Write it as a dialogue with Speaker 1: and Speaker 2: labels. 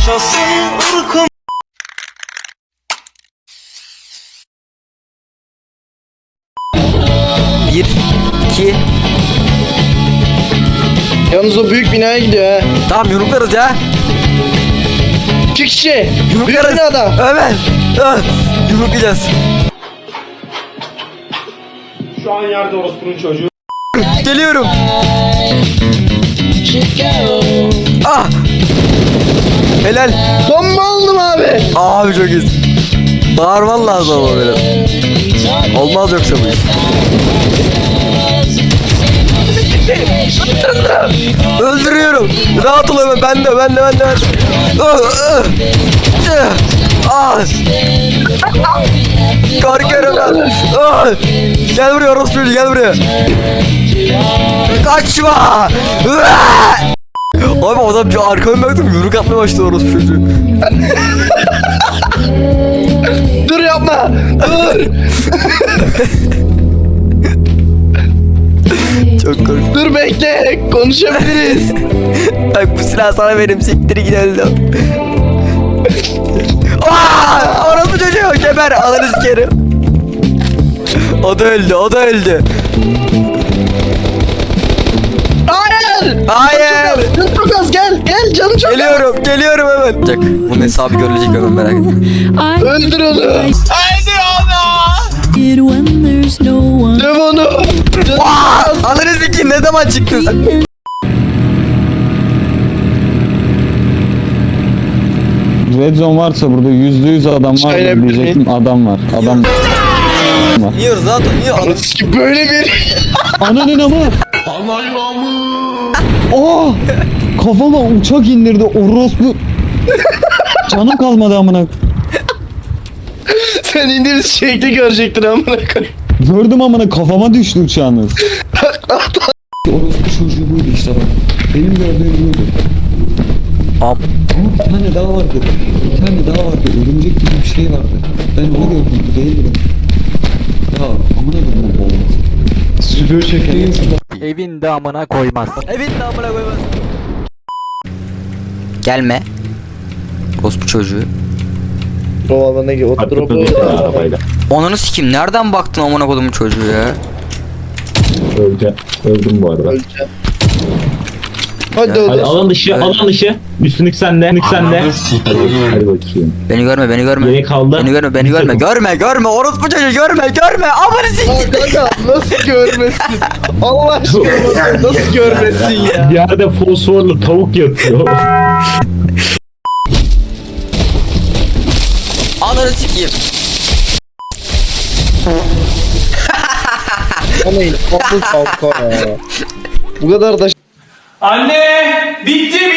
Speaker 1: yaşasın ırkım.
Speaker 2: Bir, iki.
Speaker 3: Yalnız o büyük binaya gidiyor ha.
Speaker 2: Tamam yumruklarız ya.
Speaker 3: 2 kişi. Büyük
Speaker 2: Yumruklarız.
Speaker 3: binada.
Speaker 2: Evet. Yumruklayacağız.
Speaker 4: Şu an yerde orospunun çocuğu.
Speaker 2: Geliyorum. Ah. Helal.
Speaker 3: Bomba aldım abi.
Speaker 2: Abi çok iyisin. Bağırman lazım ama biraz. Olmaz yoksa bu iş. Öldürüyorum. Rahat ol hemen. Ben de. Ah. Korkuyorum ben. Ah. Gel buraya orospu, gel buraya. Kaçma. Abi adam bir arkama baktım, yumruk atmaya başladı orospu çocuğu.
Speaker 3: Dur yapma. Dur.
Speaker 2: Çok korktum.
Speaker 3: Dur bekle. Konuşabiliriz.
Speaker 2: Bak bu silahı sana verim, siktir git öldüm. Aaa! Orospu çocuğu geber, alırız geri. O da öldü.
Speaker 3: Hayır.
Speaker 2: Hayır.
Speaker 3: Canım çok az. Gel canım çok az.
Speaker 2: Geliyorum hemen. Olacak. Bunun hesabı görülecek hemen, merak etme.
Speaker 3: Öldür onu.
Speaker 5: When there's no one.
Speaker 3: Döv onu. Canım çok az.
Speaker 2: Alırız iki, ne zaman çıktın sen?
Speaker 6: Red Zone varsa burada %100 adam var
Speaker 3: Aynen
Speaker 6: diyecektim, adam var. Adam var.
Speaker 2: Yiyoruz zaten, yiyor.
Speaker 3: Anasını ki böyle bir.
Speaker 6: Ananın ama. Aa! Kafama uçak indirdi orospu. Canım kalmadı amına.
Speaker 3: Sen indiğimiz şekli görecektin amına koyayım.
Speaker 6: Gördüm amına, kafama düştü uçağınız. Orospu çocuğu buydu işte bak. Benim gördüğüm buydu.
Speaker 2: Am.
Speaker 6: Bir tane daha vardı. Örümcek gibi bir şey vardı. Ben onu gördüm. Değildi. Ya amına koyayım olmaz. Süpür çektiğin
Speaker 2: Evin amına koymaz. Gelme. Orospu çocuğu.
Speaker 3: O alana gir. O drop'u.
Speaker 2: Onunu sikim, nereden baktın amına kodumun çocuğu ya?
Speaker 7: Öldüm bu arada.
Speaker 3: Öleceğim. Hadi
Speaker 7: Hadi
Speaker 3: oğlum.
Speaker 7: alan dışı. Üstünlük sende. Hadi bakayım.
Speaker 2: Beni görme.
Speaker 7: Geri kaldı.
Speaker 2: Beni görme. Orospu çocuğu görme. Amına sikim.
Speaker 3: Kanka nasıl görmesin? Allah aşkına nasıl görmesin ya?
Speaker 7: Bir yerde fosforlu tavuk yatıyor.
Speaker 2: Ananı sikeyim.
Speaker 3: Anayın. Kanka ya. Bu kadar da
Speaker 4: Anne! Bitti!